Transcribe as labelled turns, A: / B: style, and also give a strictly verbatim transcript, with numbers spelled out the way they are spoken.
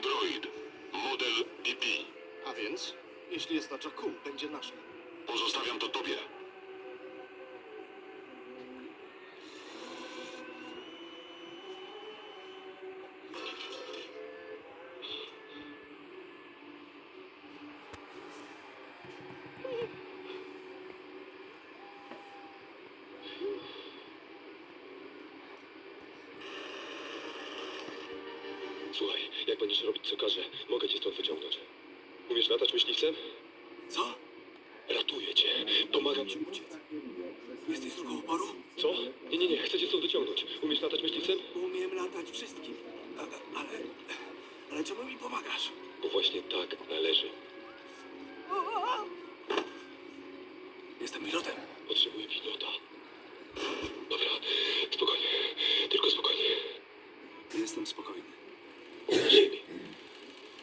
A: Android. Model B B.
B: A więc, jeśli jest na Jakku, będzie naszym.
A: Pozostawiam to tobie.
C: Słuchaj, jak będziesz robić co każe, mogę cię stąd wyciągnąć. Umiesz latać myśliwcem?
B: Co?
C: Ratuję cię. Pomagam ci uciec.
B: Jesteś sługą oporu?
C: Co? Nie, nie, nie. Chcę cię stąd wyciągnąć. Umiesz latać myśliwcem?
B: Umiem latać wszystkim. A, ale... Ale czemu mi pomagasz?
C: Bo właśnie tak należy.
B: Jestem pilotem.
C: Potrzebuję pilota. Dobra, spokojnie. Tylko spokojnie.
B: Jestem spokojny.